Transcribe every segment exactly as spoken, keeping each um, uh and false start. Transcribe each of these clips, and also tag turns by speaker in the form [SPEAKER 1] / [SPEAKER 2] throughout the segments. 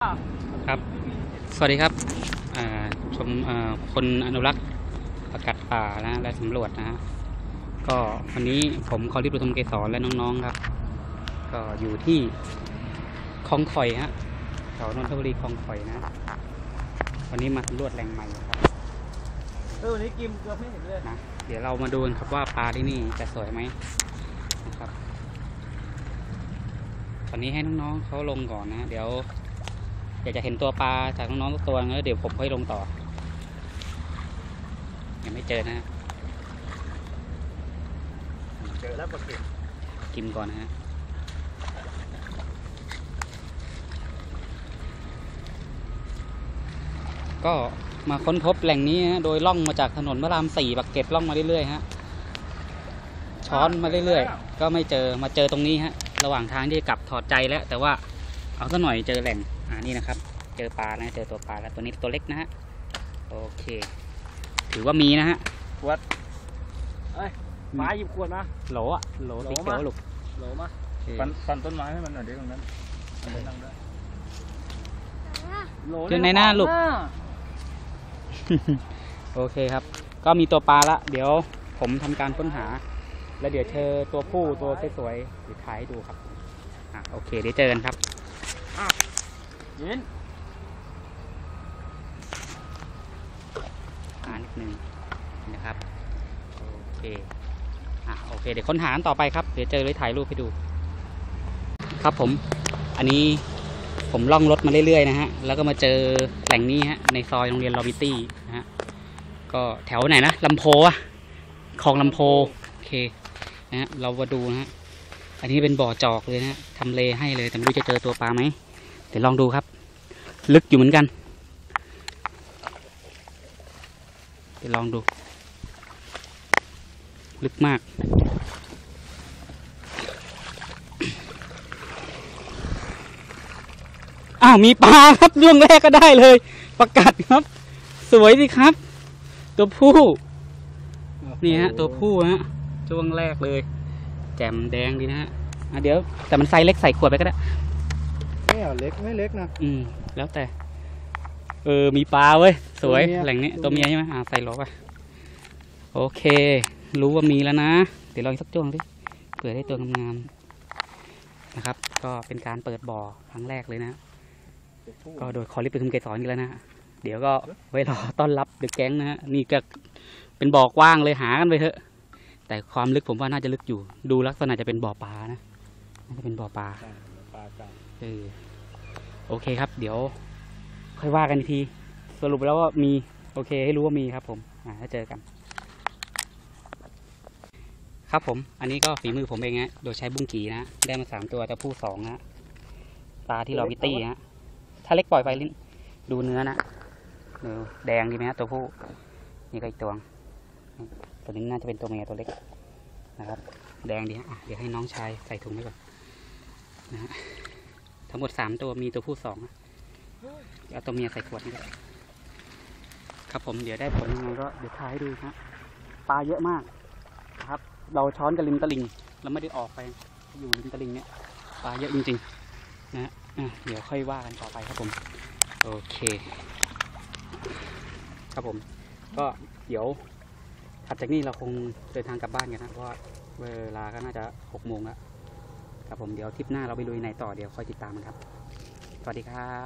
[SPEAKER 1] ครับสวัสดีครับชมคนอนุรักษ์ประกาศป่านะและสำรวจนะฮะก็วันนี้ผมคอริปทุมเกษรและน้องๆครับก็อยู่ที่คลองข่อยฮะแถวนนทบุรีคลองข่อยนะวันนี้มาสำรวจแหล่งใหม่ครับ
[SPEAKER 2] เออวันนี้กิมเกือบไม่เห็นเลย
[SPEAKER 1] นะเดี๋ยวเรามาดูกันครับว่าปลาที่นี่จะสวยไหมนะครับตอนนี้ให้น้องๆเขาลงก่อนนะเดี๋ยวอยากจะเห็นตัวปลาจากน้องๆทุกตัวแล้วเดี๋ยวผมค่อยลงต่อยังไม่เจอนะ
[SPEAKER 2] เจอแล้วปลาเข็ม
[SPEAKER 1] กิมก่อนนะฮะก็มาค้นพบแหล่งนี้ฮะโดยล่องมาจากถนนพระรามสี่ปักเกร็ดล่องมาเรื่อยๆฮะช้อนมาเรื่อยๆก็ไม่เจอมาเจอตรงนี้ฮะระหว่างทางที่กลับถอดใจแล้วแต่ว่าเอาซะหน่อยเจอแหล่งอ่านี่นะครับเจอปลานะเจอตัวปลาแล้วตัวนี้ตัวเล็กนะฮะโอเคถือว่ามีนะฮะ
[SPEAKER 2] ขวดเอ้ยปลาหยิบขวดมา
[SPEAKER 1] โหลอ่ะโหลสีเขียวลูก
[SPEAKER 2] โหลมาฟันฟันต้นไม้ให้มันหน่อยเดี๋ยวตรงนั้นนั่งได้
[SPEAKER 1] เจอในหน้าลูกโอเคครับก็มีตัวปลาละเดี๋ยวผมทำการค้นหาแล้วเดี๋ยวเจอตัวผู้ตัวสวยๆเดี๋ยวถ่ายให้ดูครับอ่ะโอเคเดี๋ยวเจอกันครับ
[SPEAKER 2] ยิน
[SPEAKER 1] อ่านิดนึงนะครับโอเคอ่ะโอเคเดี๋ยวค้นหาต่อไปครับเดี๋ยวเจอเลยถ่ายรูปให้ดูครับผมอันนี้ผมล่องรถมาเรื่อยๆนะฮะแล้วก็มาเจอแหล่งนี้ฮะในซอยโรงเรียนลอบิตี้นะฮะก็แถวไหนนะลำโพอะคลองลำโพโอเคนะฮะเรามาดูนะฮะอันนี้เป็นบ่อจอกเลยนะทำเลให้เลยแต่ไม่รู้จะเจอตัวปลาไหมเดี๋ยวลองดูครับลึกอยู่เหมือนกันเดี๋ยวลองดูลึกมากอ้าวมีปลาครับช่วงแรกก็ได้เลยประกาศครับสวยสิครับตัวผู้นี่ฮะตัวผู้ฮะช่วงแรกเลยแจ่มแดงดีนะฮะอ่ะเดี๋ยวแต่มันไซส์เล็กใส่ขวดไปก็ได้
[SPEAKER 2] ไม่เอาเล็กไม่เล็กนะ
[SPEAKER 1] อืมแล้วแต่เออมีปลาเว้ยสวยแหล่งนี้ตัวเมียใช่ไหมอ่าใส่โหลไปโอเครู้ว่ามีแล้วนะเดี๋ยวลองสักจ้วงดิเผื่อได้ตัวงามๆนะครับก็เป็นการเปิดบ่อครั้งแรกเลยนะก็โดยคอริปทุมเกษรกันแล้วนะเดี๋ยวก็ไว้รอต้อนรับเด็กแก๊งนะฮะนี่ก็เป็นบ่อกว้างเลยหากันไปเถอะแต่ความลึกผมว่าน่าจะลึกอยู่ดูลักษณะจะเป็นบ่อปลานะน่าจะเป็นบ่อปลาเออโอเคครับเดี๋ยวค่อยว่ากันทีสรุปแล้วว่ามีโอเคให้รู้ว่ามีครับผมอ่าถ้าเจอกันครับผมอันนี้ก็ฝีมือผมเองฮะโดยใช้บุ้งกีนะได้มาสามตัวแต่ผู้สองนะปลาที่เราวิตี้ฮะถ้าเล็กปล่อยไปลิ้นดูเนื้อนะเนื้อแดงดีไหมฮะตัวผู้นี่ก็อีกตัวตัวนี้น่าจะเป็นตัวเมียตัวเล็กนะครับแดงดีฮะเดี๋ยวให้น้องชายใส่ถุงไว้ก่อนนะฮะทั้งหมดสามตัวมีตัวผู้สองเอาตัวเมียใส่ขวดนี่ครับผมเดี๋ยวได้ผลยังไงก็เดี๋ยวถ่ายให้ดูฮะปลาเยอะมากนะครับเราช้อนกับริมตลิ่งเราไม่ได้ออกไปอยู่ริมตลิ่งเนี่ยปลาเยอะจริงๆนะเดี๋ยวค่อยว่ากันต่อไปครับผมโอเคครับผมก็เดี๋ยวถัดจากนี้เราคงเดินทางกลับบ้านกันนะเพราะเวลาก็น่าจะหกโมงแล้วครับผมเดี๋ยวทริปหน้าเราไปลุยไหนต่อเดี๋ยวคอยติดตามกันครับสวัสดีครับ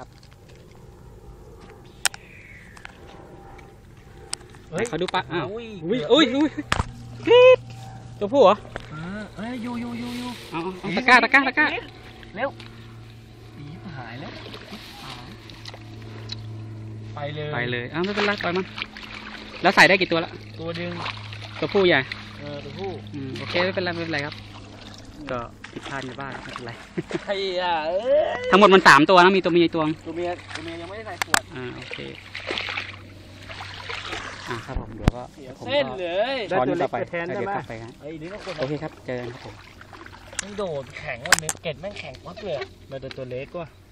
[SPEAKER 1] เขาดูปลาอ้าวอุ้ยอุ้ยอุ้ยกรี๊ดตัวผู้เหรอ
[SPEAKER 2] เอ้ยยูยูยูยู
[SPEAKER 1] เอาเอาตะก้าตะก้าตะก้า
[SPEAKER 2] เร็วอีหายแล้วไปเลย
[SPEAKER 1] ไปเลยอ้าวไม่เป็นไรปล่อยมันแล้วใส่ได้กี่ตัวละ
[SPEAKER 2] ตัวหนึ่ง
[SPEAKER 1] ตัวผู้ใหญ่
[SPEAKER 2] เออตัวผู้
[SPEAKER 1] อืมโอเคไม่เป็นไรไม่เป็นไรครับก็ผิดพลาดในบ้านไม่เป็นไร
[SPEAKER 2] ไอ้อะ
[SPEAKER 1] ทั้งหมดมันสามตัวนะมีตัวเมียตัว
[SPEAKER 2] ตัวเมียตัวเมียยังไม่ได้ใส่ขวด
[SPEAKER 1] อ่าโอเคอ่าครับผมเดี๋ยวก็
[SPEAKER 2] เส้นเลย
[SPEAKER 1] ช้อนต่อไปแทนได้ไหมโอเคครับเจอกันครับผม
[SPEAKER 2] ไม่โดดแข็งวันนี้เกล็ดแม่งแข็งมากเลยมาตัวเล็กกว่า